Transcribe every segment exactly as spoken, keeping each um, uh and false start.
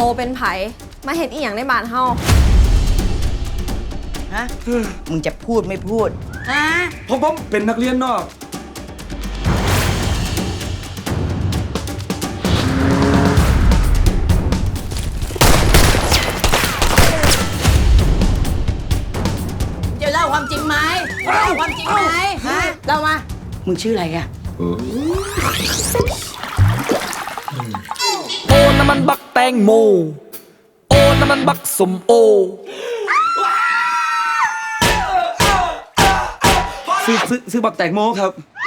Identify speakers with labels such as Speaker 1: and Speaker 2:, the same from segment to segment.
Speaker 1: เป็นไผมาเห็นอีหยังในบ้านเฮา
Speaker 2: ฮะมึงจะพูดไม่พูดฮะ
Speaker 3: ผมผมเป็นนักเรียนนอก
Speaker 2: จะเล่าความจริงไหมเล่าความจริงไหมฮะเล่ามามึงชื่ออะไรอะ
Speaker 4: โอ้น้ำมันบักแตงโมโอ้น้ำมันบักสมโอ
Speaker 3: ซื้อซื้อซื้อบักแตงโมครับ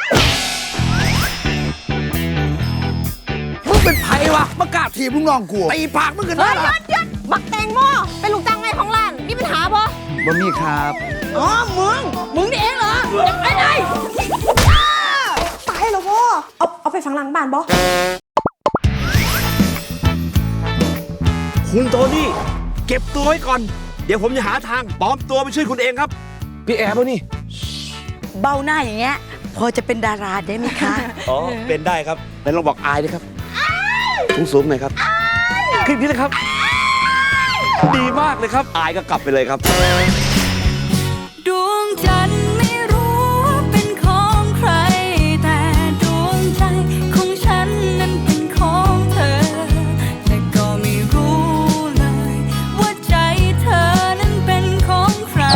Speaker 4: มึงเป็นไผวะมากล้าถีบลูกน้องกูตีปากมึงกันได้หรอ
Speaker 1: หยุดบักแตงโมเป็นลูกจ้างไงของร้านมีปัญหาปะ
Speaker 3: บ่มีครับ
Speaker 2: อ๋อมึงมึงนี่เองเหรอไปไหน
Speaker 1: ตายแล้วพ่อเอาเอาไปฝังหลังบ้านปะ
Speaker 5: คุณโทนี่เก็บตัวไว้ก่อนเดี๋ยวผมจะหาทางปลอมตัวไปช่วยคุณเองครับ
Speaker 3: พี่แอร์ป่ะนี่
Speaker 2: เบ้าหน้าอย่างเงี้ยพอจะเป็นดาราได้ไหมคะ
Speaker 5: อ๋อเป็นได้ครับแล้วลองบอกอายดิครับสูงสูงหน่อยครับขึ้นนี้นะครับดีมากเลยครับอายก็กลับไปเลยครับ
Speaker 6: ดวงจันทร์ไม่รู้ว่าเป็นของใครแต่ดวงใจของฉันนั้นเป็นของเธอแต่ก็ไม่รู้เลยว่าใจเธอนั้นเป็นของใคร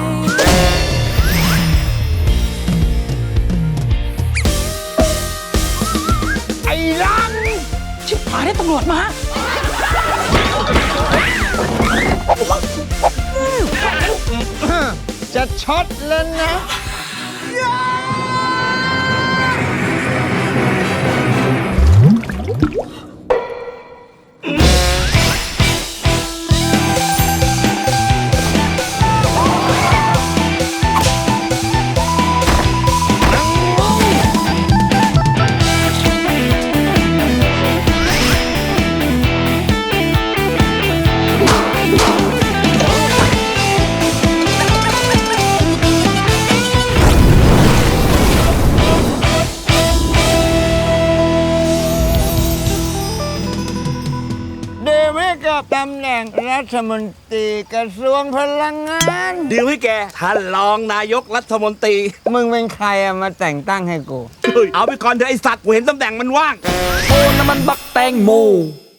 Speaker 4: ไอ้ลังชิบหายได้ตำรวจมา
Speaker 7: จะช็อตแล้วนะ เดวิดกับตำแหน่งรัฐมนตรีกระทรวงพลังงาน
Speaker 5: ดีลให้แกท่านรองนายกรัฐมนตรี
Speaker 7: มึงเป็นใครอะมาแต่งตั้งให้กู
Speaker 5: เอาไปก่อนเถอะไอสัตว์กูเห็นตำแหน่งมันว่าง
Speaker 4: โอ้น้ำมันบักแตงโม